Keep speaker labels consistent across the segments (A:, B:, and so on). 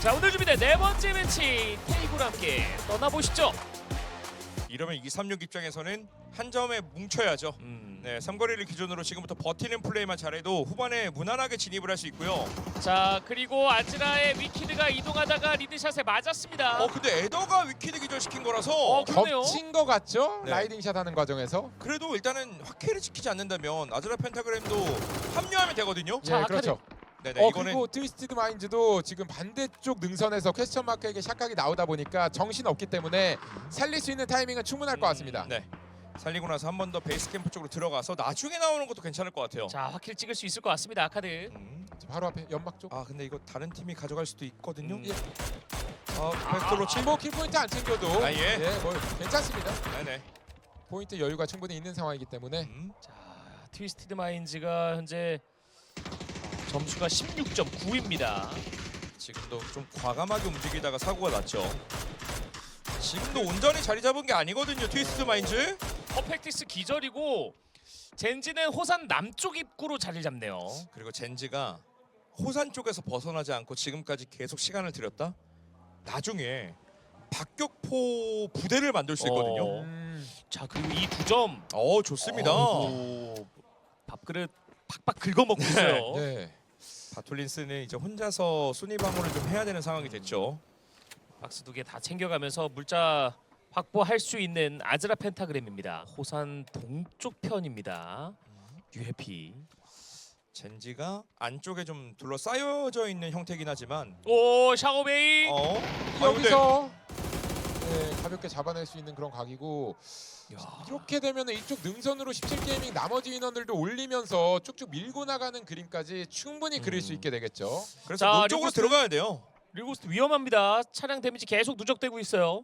A: 자, 오늘 준비된 네 번째 매치 테이블 함께 떠나보시죠.
B: 이러면 236 입장에서는 한 점에 뭉쳐야죠. 네, 삼거리를 기준으로 지금부터 버티는 플레이만 잘해도 후반에 무난하게 진입을 할 수 있고요.
A: 자, 그리고 아즈라의 위키드가 이동하다가 리드샷에 맞았습니다.
B: 근데 에더가 위키드 기절시킨 거라서
A: 그러네요.
C: 겹친 거 같죠?
B: 네.
C: 라이딩샷 하는 과정에서.
B: 그래도 일단은 확킬을 지키지 않는다면 아즈라 펜타그램도 합류하면 되거든요.
A: 자,
C: 예, 그렇죠.
B: 네네, 이거는
C: 그리고 트위스티드 마인즈도 지금 반대쪽 능선에서 퀘스천 마크에게 샷각이 나오다 보니까 정신 없기 때문에 살릴 수 있는 타이밍은 충분할 것 같습니다.
B: 네, 살리고 나서 한 번 더 베이스 캠프 쪽으로 들어가서 나중에 나오는 것도 괜찮을 것 같아요.
A: 자, 확킬 찍을 수 있을 것 같습니다. 아카드.
C: 바로 앞에 연막 쪽.
B: 근데 이거 다른 팀이 가져갈 수도 있거든요.
A: 음.
C: 예.
B: 팩트로 치.
C: 뭐 킬포인트 안 챙겨도
B: 예.
C: 뭐 괜찮습니다.
B: 네네.
C: 포인트 여유가 충분히 있는 상황이기 때문에
A: 자, 트위스티드 마인즈가 현재 점수가 16.9입니다.
B: 지금도 좀 과감하게 움직이다가 사고가 났죠. 지금도 온전히 자리 잡은 게 아니거든요. 트위스트 마인즈.
A: 퍼펙티스 기절이고 젠지는 호산 남쪽 입구로 자리 잡네요.
B: 그리고 젠지가 호산 쪽에서 벗어나지 않고 지금까지 계속 시간을 들였다. 나중에 박격포 부대를 만들 수 있거든요.
A: 자, 그리고 이 2점.
B: 좋습니다.
A: 밥그릇 팍팍 긁어먹고 있어요.
C: 네.
B: 바톨린스는 이제 혼자서 순위 방어를 좀 해야 되는 상황이 됐죠.
A: 박스 2개 다 챙겨가면서 물자 확보할 수 있는 아즈라 펜타그램입니다. 호산 동쪽 편입니다. UFP.
B: 젠지가 안쪽에 좀 둘러싸여져 있는 형태긴 하지만
A: 오, 샤오베이.
C: 여기서 가볍게 잡아낼 수 있는 그런 각이고
A: 야.
C: 이렇게 되면 이쪽 능선으로 17게이밍 나머지 인원들도 올리면서 쭉쭉 밀고 나가는 그림까지 충분히 그릴 수 있게 되겠죠.
B: 그래서
A: 자,
B: 문 쪽으로
A: 리고스트.
B: 들어가야 돼요.
A: 리고스트 위험합니다. 차량 데미지 계속 누적되고 있어요.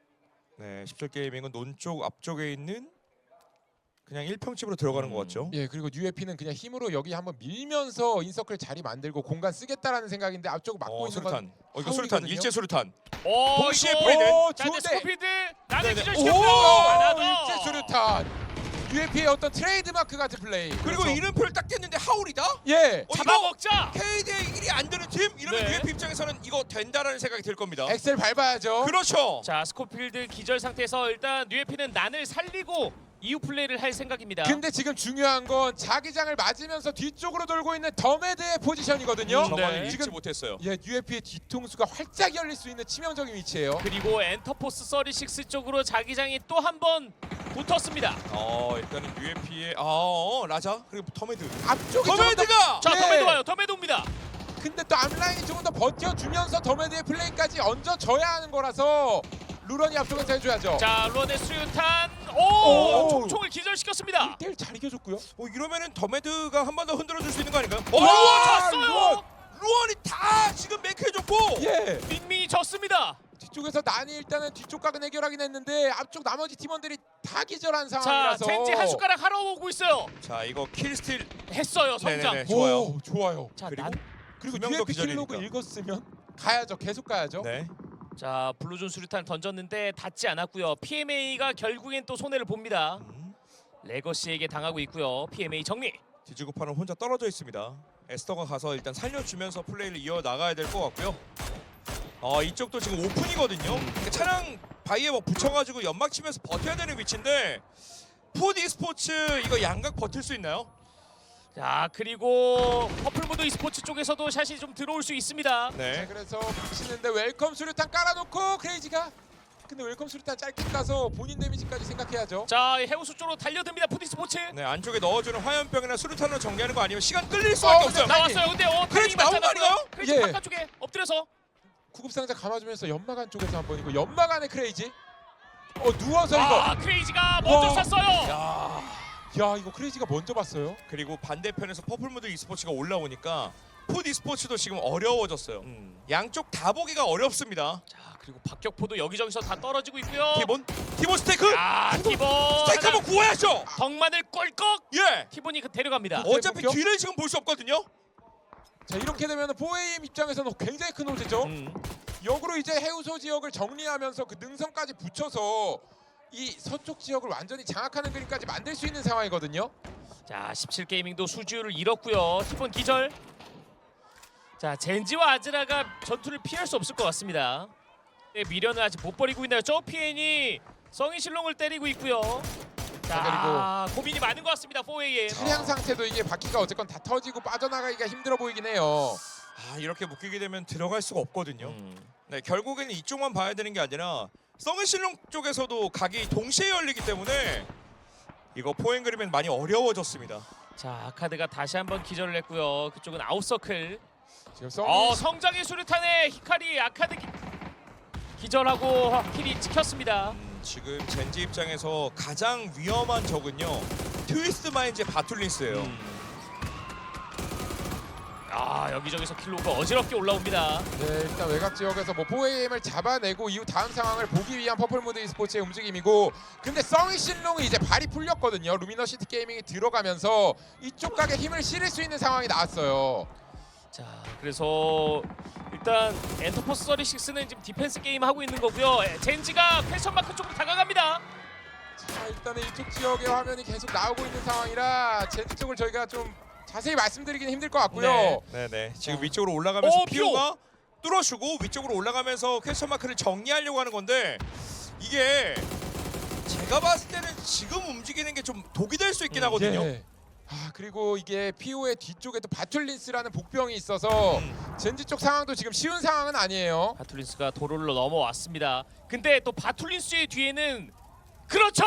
B: 네, 10절 게이밍은 논 쪽 앞쪽에 있는 그냥 1평집으로 들어가는 것 같죠.
C: 예, 그리고 UFP는 그냥 힘으로 여기 한번 밀면서 인서클 자리 만들고 공간 쓰겠다라는 생각인데 앞쪽 막고 있는
B: 수류탄.
C: 건
B: 이거 수류탄,
C: 하울이거든요.
B: 일제 수류탄.
A: 동시에
B: 이거-
A: 프리드.
C: 오,
A: 자, 근데
C: 좋은데.
A: 스코피드 나는
B: 네네.
A: 기절시켰어요. 하나 더.
C: 일제 수류탄. UFP의 어떤 트레이드 마크 같은 플레이.
B: 그리고
C: 그렇죠.
B: 이름표를 딱 깼는데 하울이다?
C: 예.
B: 이거
A: 잡아먹자.
B: KD 1이 안 되는 팀? 이러면
A: 네.
B: UFP 입장에서는 이거 된다라는 생각이 들 겁니다.
C: 엑셀 밟아야죠.
B: 그렇죠.
A: 자, 스코필드 기절 상태에서 일단 UFP는 난을 살리고 이후 플레이를 할 생각입니다.
C: 근데 지금 중요한 건 자기장을 맞으면서 뒤쪽으로 돌고 있는 더메드의 포지션이거든요.
B: 정말
A: 네.
B: 읽지
C: 지금
B: 못했어요.
C: 예, UFP의 뒤통수가 활짝 열릴 수 있는 치명적인 위치예요.
A: 그리고 엔터포스 36 쪽으로 자기장이 또 한 번 붙었습니다.
B: 일단은 UFP의 라자 그리고 터메드.
C: 앞쪽에
B: 터메드가
A: 자,
C: 예.
A: 더메드 와요. 더메드 옵니다.
C: 근데 또 앞라인이 조금 더 버텨주면서 더메드의 플레이까지 얹어줘야 하는 거라서 루런이 앞쪽에서 해줘야죠.
A: 자, 론의 수류탄.
C: 오.
A: 총총을 기절시켰습니다.
C: 1대1 잘 이겨줬고요.
B: 이러면은 더메드가 한 번 더 흔들어줄 수 있는 거 아닌가요?
A: 졌어요.
B: 루언이 다 지금 메이크해줬고.
C: 예.
A: 밍밍이 졌습니다.
C: 뒤쪽에서 난이 일단은 뒤쪽 각은 해결하긴 했는데 앞쪽 나머지 팀원들이 다 기절한
A: 자,
C: 상황이라서.
A: 젠지 한 숟가락 하러 오고 있어요.
B: 자, 이거 킬스틸.
A: 했어요, 성장.
B: 네네네. 좋아요.
C: 오, 좋아요.
A: 자,
B: 그리고
A: 난.
C: 그리고
B: 두명더
C: UFP 킬로그
B: 기절이니까.
C: 읽었으면 가야죠. 계속 가야죠.
B: 네.
A: 자, 블루존 수류탄 던졌는데 닿지 않았고요. PMA가 결국엔 또 손해를 봅니다. 레거시에게 당하고 있고요. PMA 정리.
B: 뒤지고 파는 혼자 떨어져 있습니다. 에스터가 가서 일단 살려주면서 플레이를 이어 나가야 될 것 같고요. 이쪽도 지금 오픈이거든요. 차량 바위에 붙여가지고 연막 치면서 버텨야 되는 위치인데 푸드 e스포츠 이거 양각 버틸 수 있나요?
A: 자, 그리고 퍼플무드 e스포츠 쪽에서도 샷이 좀 들어올 수 있습니다.
C: 자,
B: 네.
C: 그래서 붙이는데 웰컴 수류탄 깔아놓고 크레이지가 근데 웰컴 수류탄 짧게 까서 본인 데미지까지 생각해야죠.
A: 자, 해우수 쪽으로 달려듭니다. 푸드 e스포츠.
B: 네, 안쪽에 넣어주는 화염병이나 수류탄으로 정리하는 거 아니면 시간 끌릴 수밖에 없어요.
A: 나왔어요. 근데
B: 크레이지 나온 거 아니에요?
A: 크레이지
C: 예.
A: 바깥쪽에 엎드려서.
C: 구급상자 감아주면서 연막 안쪽에서 한 번이고 연막 안에 크레이지. 누워서 이거.
A: 크레이지가 먼저
C: 와.
A: 쐈어요.
C: 야, 이거 크레이지가 먼저 봤어요.
B: 그리고 반대편에서 퍼플무드 e스포츠가 올라오니까 푸드 e스포츠도 지금 어려워졌어요. 양쪽 다 보기가 어렵습니다.
A: 자, 그리고 박격포도 여기저기서 다 떨어지고 있고요.
B: 티본 스테이크!
A: 티본
B: 스테이크 한번 구워야죠!
A: 덕만을 꼴꺽.
B: 예!
A: 티본이 데려갑니다.
B: 어차피
C: 해볼게요.
B: 뒤를 지금 볼 수 없거든요?
C: 자, 이렇게 되면 4AM 입장에서는 굉장히 큰 호재죠. 역으로 이제 해우소 지역을 정리하면서 그 능선까지 붙여서 이 서쪽 지역을 완전히 장악하는 그림까지 만들 수 있는 상황이거든요.
A: 자, 17게이밍도 수주를 잃었고요. 티본 기절. 자, 젠지와 아즈라가 전투를 피할 수 없을 것 같습니다. 네, 미련을 아직 못 버리고 있나요? 저피엔이 성인 실롱을 때리고 있고요. 자, 고민이 많은 것 같습니다. 4AM.
C: 차량 상태도 이게 바퀴가 어쨌건 다 터지고 빠져나가기가 힘들어 보이긴 해요.
B: 아, 이렇게 묶이게 되면 들어갈 수가 없거든요. 네, 결국에는 이쪽만 봐야 되는 게 아니라 성은실롱 쪽에서도 각이 동시에 열리기 때문에 이거 포앵그리면 많이 어려워졌습니다.
A: 자, 아카드가 다시 한번 기절을 했고요. 그쪽은 아웃서클.
C: 지금 성인
A: 성장의 수류탄에 히카리 아카드 기절하고 킬이 찍혔습니다.
B: 지금 젠지 입장에서 가장 위험한 적은요, 트위스트 마인즈의 바툴린스예요.
A: 여기저기서 킬로가 어지럽게 올라옵니다.
C: 네, 일단 외곽 지역에서 뭐 4AM을 잡아내고 이후 다음 상황을 보기 위한 퍼플무드 e스포츠의 움직임이고, 근데 성인 신롱이 이제 발이 풀렸거든요. 루미너시티 게이밍이 들어가면서 이쪽 각에 힘을 실을 수 있는 상황이 나왔어요.
A: 자, 그래서 일단 엔터포스 36는 지금 디펜스 게임 하고 있는 거고요. 젠지가 퀘션 마크 쪽으로 다가갑니다.
C: 자, 일단은 이쪽 지역의 화면이 계속 나오고 있는 상황이라 젠지 쪽을 저희가 좀 자세히 말씀드리기는 힘들 것 같고요.
B: 네네. 지금 위쪽으로 올라가면서
A: 피오!
B: 피오가 뚫어주고 위쪽으로 올라가면서 퀘스천 마크를 정리하려고 하는 건데, 이게 제가 봤을 때는 지금 움직이는 게 좀 독이 될 수 있긴 하거든요.
C: 예. 그리고 이게 피오의 뒤쪽에 또 바툴린스라는 복병이 있어서 젠지 쪽 상황도 지금 쉬운 상황은 아니에요.
A: 바툴린스가 도로를 넘어왔습니다. 근데 또 바툴린스의 뒤에는 그렇죠.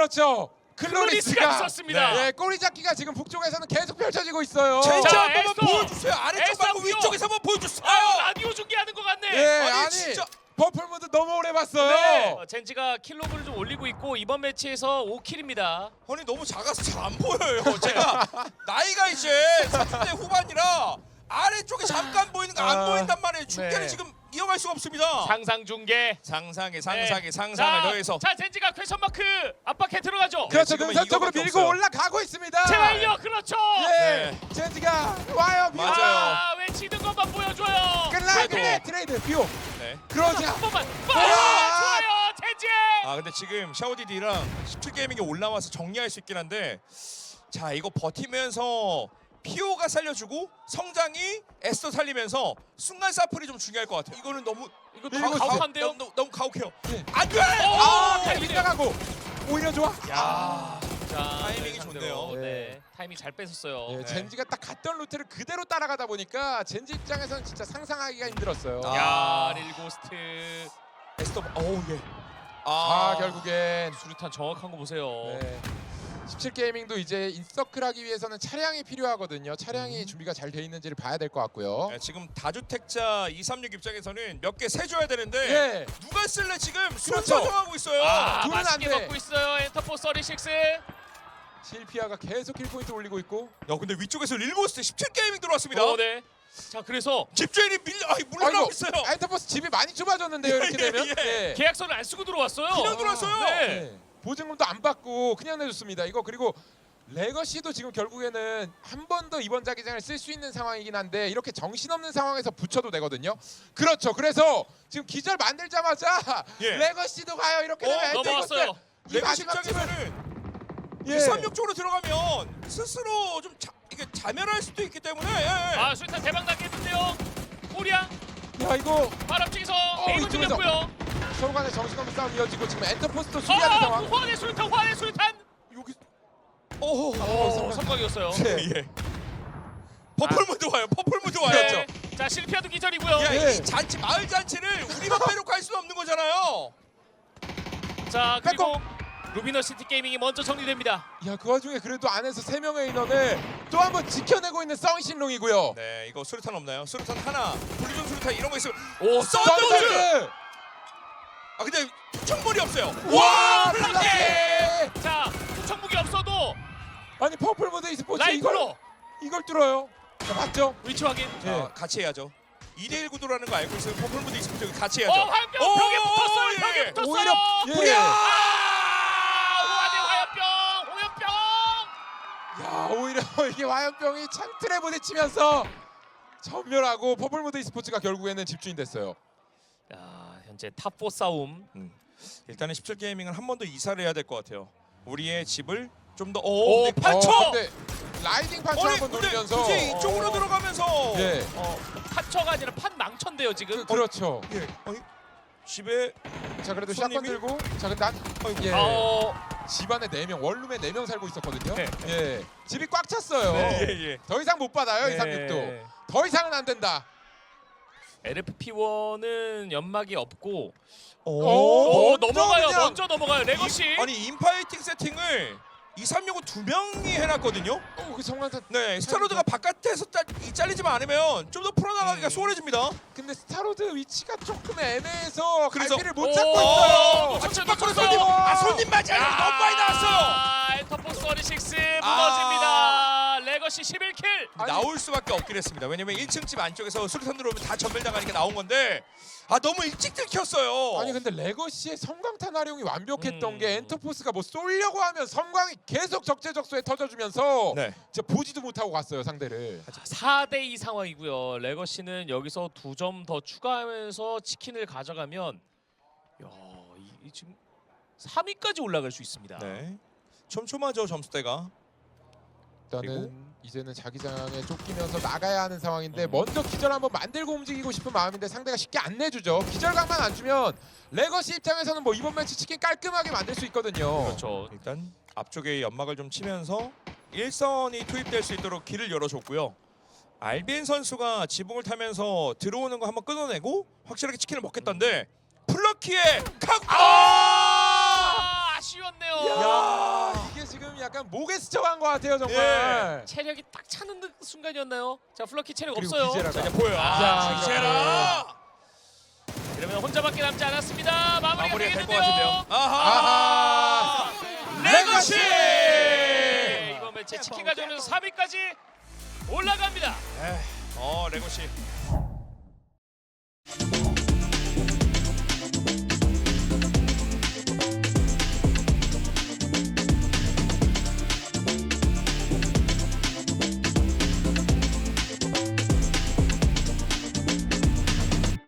A: 클로리스가 있었습니다.
C: 네, 꼬리 잡기가 지금 북쪽에서는 계속 펼쳐지고 있어요.
B: 젠지
A: 자,
B: 한 번만
A: 에스더!
B: 보여주세요. 아래쪽 말고
A: 에스더
B: 위쪽에서 한번 보여주세요.
A: 라디오 중계하는 것 같네.
C: 예,
B: 아니,
C: 아니
B: 진짜.
C: 퍼플무드 너무 오래 봤어요.
A: 네. 젠지가 킬로그를 좀 올리고 있고 이번 매치에서 5킬입니다.
B: 아니 너무 작아서 잘 안 보여요. 제가 나이가 이제 30대 후반이라 아래쪽에 잠깐 보이는 거 안 보인단 말이에요. 중계를
A: 네.
B: 지금 이어갈 수가 없습니다.
A: 상상 중계.
B: 상상에
A: 네.
B: 상상을 더해서.
A: 자, 젠지가 퀘션 마크 압박해 들어가죠.
C: 그렇죠.
B: 지금은
C: 능선 쪽으로
B: 이거밖에
C: 밀고
B: 없어요.
C: 올라가고 있습니다.
A: 제발요. 그렇죠.
C: 예, 젠지가 와요. 밀어.
B: 맞아요.
A: 외치는 것만 보여줘요.
C: 끝내 트레이드 피오.
B: 네.
C: 그러자.
A: 한 번만.
C: 와!
A: 좋아요. 젠지.
B: 아 근데 지금 샤오디디랑 17게이밍이 올라와서 정리할 수 있긴 한데, 자 이거 버티면서 피오가 살려주고 성장이 에스더 살리면서 순간 사플이 좀 중요할 것 같아요. 이거는 너무
A: 이거
C: 밀고
A: 가혹한데요.
B: 너무 가혹해요.
C: 예.
B: 안 돼!
A: 타이밍.
C: 빗나가고 오히려 좋아.
A: 야. 자,
B: 타이밍이
A: 상대로.
B: 좋네요.
A: 네. 타이밍 잘 뺐었어요.
C: 예,
B: 네.
C: 젠지가 딱 갔던 루트를 그대로 따라가다 보니까 젠지 입장에서는 진짜 상상하기가 힘들었어요.
B: 아.
A: 야, 릴고스트.
B: 에스더 어우 예.
C: 결국엔
A: 수류탄 정확한 거 보세요.
C: 네. 17게이밍도 이제 인서클 하기 위해서는 차량이 필요하거든요. 차량이 준비가 잘 돼 있는지를 봐야 될 것 같고요.
B: 네, 지금 다주택자 236 입장에서는 몇 개 세줘야 되는데
C: 예.
B: 누가 쓸래 지금 술
C: 그렇죠.
B: 조정하고 있어요.
C: 둘은
A: 맛있게
C: 안 돼.
A: 먹고 있어요. 엔터포스 36.
C: 실피아가 계속 킬포인트 올리고 있고.
B: 야 근데 위쪽에서 릴고스트 17게이밍 들어왔습니다.
A: 네. 자, 그래서
B: 집주인이 물러나고 있어요.
C: 엔터포스 집이 많이 좁아졌는데요. 이렇게
B: 예,
C: 되면.
B: 예.
C: 예.
A: 계약서를 안 쓰고 들어왔어요.
B: 그냥 들어왔어요.
A: 네.
C: 네. 보증금도 안 받고 그냥 내줬습니다. 이거 그리고 레거시도 지금 결국에는 한 번 더 이번 자기장을 쓸 수 있는 상황이긴 한데 이렇게 정신없는 상황에서 붙여도 되거든요. 그렇죠. 그래서 지금 기절 만들자마자
B: 예.
C: 레거시도 가요. 이렇게 되면
A: 넘어왔어요.
C: 이
B: 레고
C: 마지막 집은
B: 입장에서는
C: 예.
B: 236 쪽으로 들어가면 스스로 좀 이게 자멸할 수도 있기 때문에 예.
A: 수류탄 대박 나겠는데요. 꼬리야
C: 야 이거
A: 바람직에서
C: 이쪽에서.
A: 베이글 들렸고요.
C: 서로 간에 정신없는 싸움 이어지고 지금 엔터포스도 수비하는 상황.
A: 후안의 수류탄.
C: 여기
A: 오, 성공이었어요.
C: 네.
B: 예. 퍼플무드 와요. 퍼플무드 와요.
C: 그렇죠.
A: 자, 실피아도 기절이고요.
B: 야,
C: 예.
B: 이 잔치 마을 잔치를 우리만 빼놓고 할 수는 없는 거잖아요.
A: 자, 그리고 루미너시티 게이밍이 먼저 정리됩니다.
C: 야 그 와중에 그래도 안에서 3명의 인원을 또 한 번 지켜내고 있는 성신롱이고요.
B: 네, 이거 수류탄 없나요? 수류탄 하나, 분리전 수류탄 이런 거 있으면
A: 오,
B: 썬더즈! 아 근데 투척물이 없어요.
C: 와
A: 블락해!
C: 블락해!
A: 자, 투척무기 없어도
C: 아니 퍼플무드 e스포츠
A: 라이프로
C: 이걸 뚫어요. 자, 맞죠?
A: 위치 확인.
B: 자, 같이 해야죠. 2대1 구도라는 거 알고 있어요. 퍼플무드 익스포트 같이 해야죠.
A: 화염병 벽에 붙었어요.
B: 예.
A: 벽에 붙었어요.
C: 오히려 예.
A: 후안의 화염병.
C: 야 오히려 이게 화염병이 창틀에 부딪히면서 전멸하고 퍼플무드 e스포츠가 결국에는 집주인 됐어요.
A: 야, 현재 탑4 싸움.
B: 일단은 17게이밍은 한 번 더 이사를 해야 될 것 같아요. 우리의 집을 좀 더
A: 오,
B: 네,
A: 8초!
C: 근데 라이딩 판처 한번
B: 근데
C: 노리면서
B: 굳이 이쪽으로 들어가면서
C: 예.
A: 판처가 아니라 판 망쳐인데요 지금.
C: 그렇죠.
B: 예. 집에
C: 자 그래도
B: 손님이?
C: 샷건 들고 자 근데 난
B: 아이고.
C: 예. 집안에 4명 원룸에 4명 살고 있었거든요.
A: 네.
C: 예. 집이 꽉 찼어요.
A: 네.
B: 예.
C: 더 이상 못 받아요
A: 네.
C: 236도. 더 이상은 안 된다.
A: LFP1은 연막이 없고
C: 오,
A: 오, 넘어가요.
C: 그냥-
A: 먼저 넘어가요. 레거시.
B: 아니 인파이팅 세팅을 236은 2명이 해놨거든요.
C: 그 성광탄.
B: 네, 스타로드가 바깥에서 잘리지만 않으면 좀 더 풀어나가기가 수월해집니다.
C: 근데 스타로드 위치가 조금 애매해서
B: 그래서-
C: 갈피를 못 잡고
A: 오,
C: 있어요.
A: 못 잡죠,
B: 밖으로
A: 못 잡죠.
B: 손님! 손님 맞아요. 너무 많이 나왔어요.
A: 엔터포스 36 무너집니다. 레거시 11킬.
C: 아니-
B: 나올 수밖에 없긴 했습니다. 왜냐면 1층 집 안쪽에서 수류탄 들어오면 다 전멸당하니까 나온 건데 너무 일찍 들켰어요.
C: 아니 근데 레거시의 섬광탄 활용이 완벽했던
A: 음.
C: 게 엔터포스가 뭐 쏠려고 하면 섬광이 계속 적재적소에 터져주면서
B: 네.
C: 진짜 보지도 못하고 갔어요 상대를.
A: 4대2 상황이고요. 레거시는 여기서 2점 더 추가하면서 치킨을 가져가면 이 지금 3위까지 올라갈 수 있습니다.
B: 네. 촘촘하죠 점수대가.
C: 일단은
B: 그리고?
C: 이제는 자기장에 쫓기면서 나가야 하는 상황인데 먼저 기절 한번 만들고 움직이고 싶은 마음인데 상대가 쉽게 안 내주죠. 기절각만 안 주면 레거시 입장에서는 뭐 이번 매치 치킨 깔끔하게 만들 수 있거든요.
A: 그렇죠.
B: 일단 앞쪽에 연막을 좀 치면서 일선이 투입될 수 있도록 길을 열어줬고요. 알빈 선수가 지붕을 타면서 들어오는 거 한번 끊어내고 확실하게 치킨을 먹겠다는데 플러키의 칵!
A: 아쉬웠네요.
C: 야 이게 지금 약간 목에 스쳐간 것 같아요 정말.
A: 체력이 딱 차는 순간이었나요? 자, 플러키 체력
C: 그리고
A: 없어요.
C: 기제라가.
B: 자, 이제 보여요.
A: 아,
B: 기세라!
A: 이러면 혼자밖에 남지 않았습니다. 마무리가
B: 마무리가 될 것
A: 되겠는데요.
B: 같은데요. 아하!
A: 레거시!
B: 레거시!
A: 이번 매치 치킨 가져오면서 3위까지 올라갑니다.
B: 레거시.